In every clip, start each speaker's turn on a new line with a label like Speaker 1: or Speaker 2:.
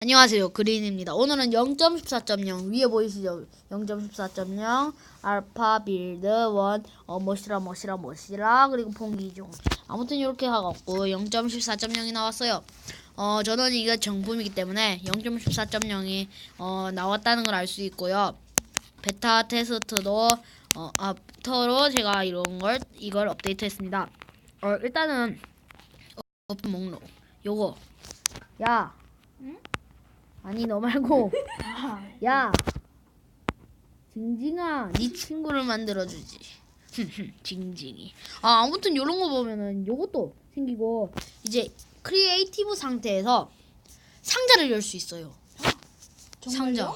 Speaker 1: 안녕하세요. 그린입니다. 오늘은 0.14.0 위에 보이시죠? 0.14.0 알파 빌드 1 멋이라 그리고 봉기종 아무튼 이렇게 해갖고 0.14.0이 나왔어요. 저는 이게 정품이기 때문에 0.14.0이 나왔다는 걸 알 수 있고요. 베타 테스트도 아프터로 제가 이걸 업데이트했습니다. 일단은 오픈 목록 요거 야
Speaker 2: 응?
Speaker 1: 아니 너 말고 야 징징아 네 친구를 만들어주지. 징징이. 아무튼 요런 거 보면은 요것도 생기고 이제 크리에이티브 상태에서 상자를 열 수 있어요. 상자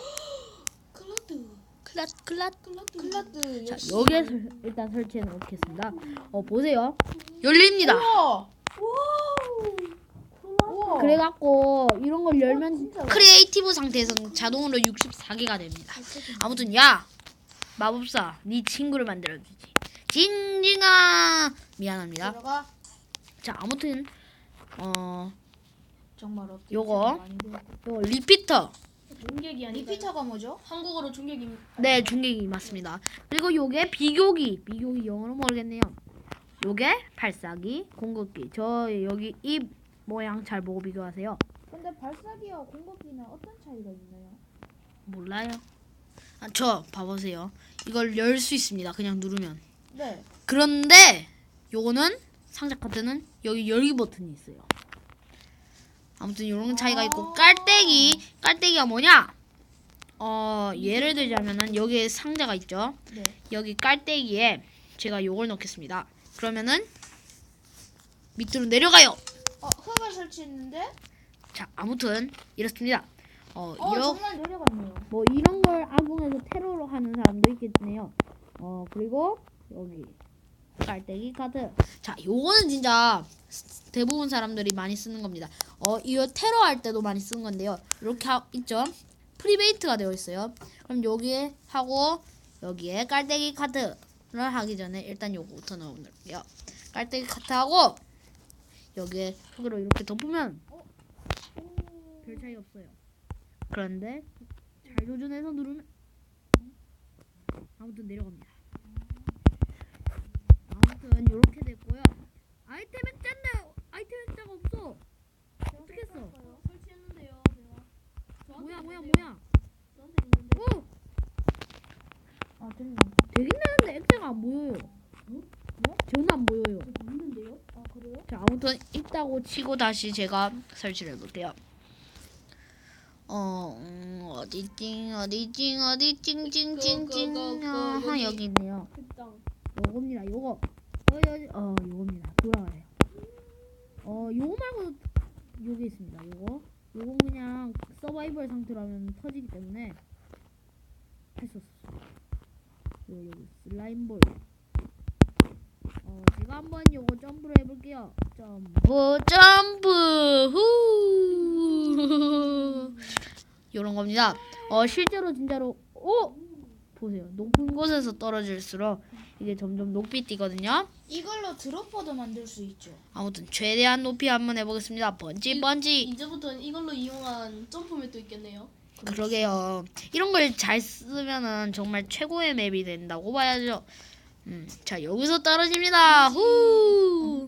Speaker 1: 클라드. 자 여기에 일단 설치해 놓겠습니다. 보세요. 열립니다.
Speaker 2: 우와.
Speaker 1: 그래갖고 이런 걸 열면
Speaker 2: 진짜로?
Speaker 1: 크리에이티브 상태에서는 자동으로 64개가 됩니다. 아무튼 야 마법사 네 친구를 만들어주지. 징징아 미안합니다.
Speaker 2: 들어가.
Speaker 1: 자 아무튼
Speaker 2: 정말
Speaker 1: 요거 리피터.
Speaker 2: 중계기 아니에요? 리피터가 뭐죠? 한국어로 중계기입니다.
Speaker 1: 네 중계기 맞습니다. 그리고 요게 비교기 영어로 모르겠네요. 요게 발사기 공급기. 저 여기 이 모양 잘 보고 비교하세요.
Speaker 2: 근데 발사기와 공급기는 어떤 차이가 있나요?
Speaker 1: 몰라요. 저 봐보세요. 이걸 열 수 있습니다. 그냥 누르면.
Speaker 2: 네.
Speaker 1: 그런데 요거는 상자 카드는 여기 열기 버튼이 있어요. 아무튼 요런 차이가 있고 깔때기가 뭐냐? 예를 들자면은 여기에 상자가 있죠.
Speaker 2: 네.
Speaker 1: 여기 깔때기에 제가 요걸 넣겠습니다. 그러면은 밑으로 내려가요.
Speaker 2: 흙을 설치했는데?
Speaker 1: 자 아무튼 이렇습니다.
Speaker 2: 정말 내려갔네요.
Speaker 1: 뭐 이런 걸 악용해서 테러로 하는 사람도 있겠네요. 그리고 여기 깔때기 카드. 자 요거는 진짜 대부분 사람들이 많이 쓰는 겁니다. 이거 테러 할 때도 많이 쓰는 건데요. 이렇게 있죠. 프리베이트가 되어 있어요. 그럼 여기에 하고 여기에 깔때기 카드를 하기 전에 일단 요거부터 넣어볼게요. 깔때기 카드하고 여기에 흙으로 이렇게 덮으면 별 차이 없어요. 그런데 잘 조준해서 누르면 아무튼 내려갑니다. 아무튼 이렇게 됐고요. 아이템 액자가 없어. 어떻게 했어?
Speaker 2: 설치했는데요, 제가.
Speaker 1: 뭐야?
Speaker 2: 저한테 있는데.
Speaker 1: 오!
Speaker 2: 됐나?
Speaker 1: 되긴 되는데 액자가 안 보여요. 저는 안 보여요.
Speaker 2: 있는데요? 그래요?
Speaker 1: 자 아무튼 있다고 치고 다시 제가 설치를 해볼게요. 어디 여기 있네요. 요겁니다. 요거 요겁니다. 돌아가요. 요거 말고 요게 있습니다. 요거 그냥 서바이벌 상태로 하면 터지기 때문에 할 수 없어요. 여기 슬라임볼. 제가 한번 요거 점프를 해볼게요. 점프 후 요런 겁니다. 실제로 진짜로 보세요. 높은 곳에서 떨어질수록 이게 점점 높이 뛰거든요.
Speaker 2: 이걸로 드롭퍼도 만들 수 있죠.
Speaker 1: 아무튼 최대한 높이 한번 해보겠습니다. 번지.
Speaker 3: 이제부터는 이걸로 이용한 점프맵도 있겠네요.
Speaker 1: 그러게요. 이런 걸 잘 쓰면은 정말 최고의 맵이 된다고 봐야죠. 자 여기서 떨어집니다. 후.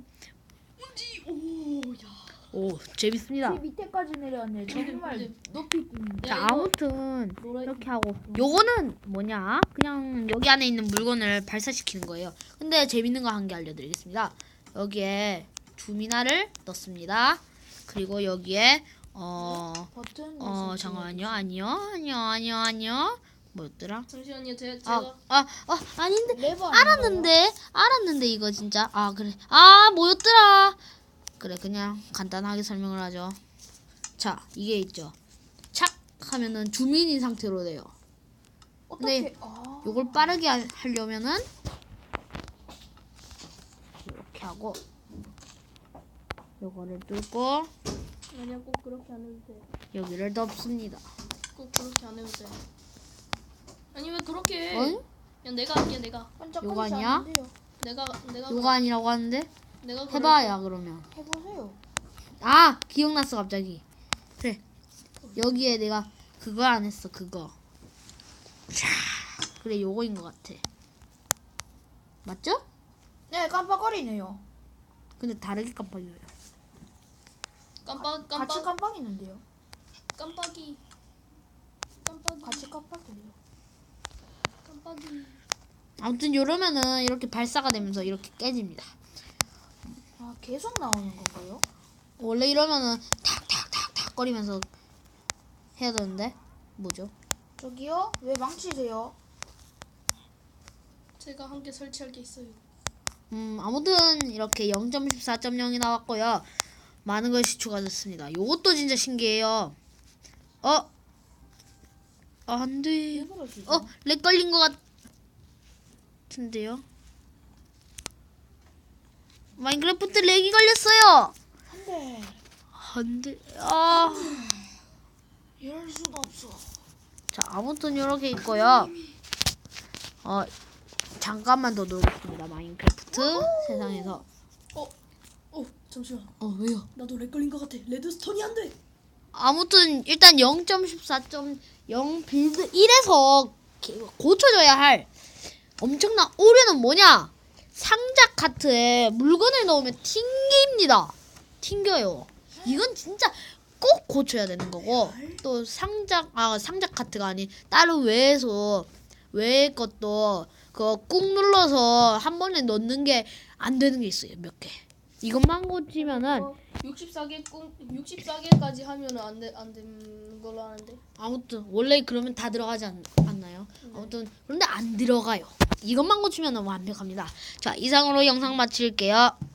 Speaker 1: 오 재밌습니다.
Speaker 2: 밑에까지 내려왔네. 정말 높이 뛰는데.
Speaker 1: 자 아무튼 이렇게 하고 요거는 뭐냐? 그냥 여기 안에 있는 물건을 발사시키는 거예요. 근데 재밌는 거 한 개 알려드리겠습니다. 여기에 주미나를 넣습니다. 그리고 여기에
Speaker 2: 버튼.
Speaker 1: 잠깐만요. 아니요. 뭐였더라?
Speaker 3: 잠시만요. 제가
Speaker 1: 아닌데.
Speaker 2: 레버
Speaker 1: 알았는데 이거 진짜 그래. 뭐였더라? 그래 그냥 간단하게 설명을 하죠. 자 이게 있죠. 착 하면은 주민인 상태로 돼요.
Speaker 2: 어떻게?
Speaker 1: 근데 요걸 빠르게 하려면은 이렇게 하고 요거를 뚫고
Speaker 3: 아니야, 꼭 그렇게 안 해도 돼.
Speaker 1: 여기를 덮습니다.
Speaker 3: 꼭 그렇게 안 해도 돼. 아니 왜 그렇게 해?
Speaker 1: 어이?
Speaker 3: 야, 내가 할게. 내가
Speaker 1: 요거 아니야?
Speaker 3: 내가
Speaker 1: 요거 아니라고 하는데
Speaker 3: 내가
Speaker 1: 해봐야 그러면.
Speaker 2: 해보세요.
Speaker 1: 기억났어 갑자기. 그래 여기에 내가 그거 안 했어. 그거. 자, 그래 요거인 것 같아. 맞죠?
Speaker 2: 네, 깜빡거리네요.
Speaker 1: 근데 다르게 깜빡여요.
Speaker 2: 같이 깜빡이는데요.
Speaker 3: 깜빡이.
Speaker 2: 같이 깜빡이요.
Speaker 3: 깜빡이.
Speaker 1: 아무튼 이러면은 이렇게 발사가 되면서 이렇게 깨집니다.
Speaker 2: 아, 계속 나오는 건가요?
Speaker 1: 원래 이러면은 탁탁탁탁 거리면서 해야 되는데 뭐죠?
Speaker 2: 저기요? 왜 망치세요?
Speaker 3: 제가 함께 설치할 게 있어요.
Speaker 1: 아무튼 이렇게 0.14.0이 나왔고요. 많은 것이 추가됐습니다. 요것도 진짜 신기해요. 안 돼.
Speaker 2: 왜 그러시죠?
Speaker 1: 렉 걸린 것 같은데요? 마인크래프트 렉이 걸렸어요.
Speaker 2: 안돼.
Speaker 1: 안 돼.
Speaker 2: 이럴 수가 없어.
Speaker 1: 자, 아무튼 이렇게 있고요. 잠깐만 더 놀겠습니다. 마인크래프트 세상에서.
Speaker 3: 잠시만.
Speaker 1: 왜요?
Speaker 3: 나도 렉 걸린 것 같아. 레드스톤이 안 돼.
Speaker 1: 아무튼 일단 0.14.0 빌드 1에서 고쳐줘야 할 엄청난 오류는 뭐냐? 상자 카트에 물건을 넣으면 튕깁니다. 튕겨요. 이건 진짜 꼭 고쳐야 되는 거고, 또 상자 카트가 아닌 다른 외의 것도 그거 꾹 눌러서 한 번에 넣는 게 안 되는 게 있어요. 몇 개. 이것만 고치면은
Speaker 3: 64개까지 하면은 안 되는 걸로 아는데.
Speaker 1: 아무튼 원래 그러면 다 들어가지 않나요? 아무튼 그런데 안 들어가요. 이것만 고치면 완벽합니다. 자, 이상으로 영상 마칠게요.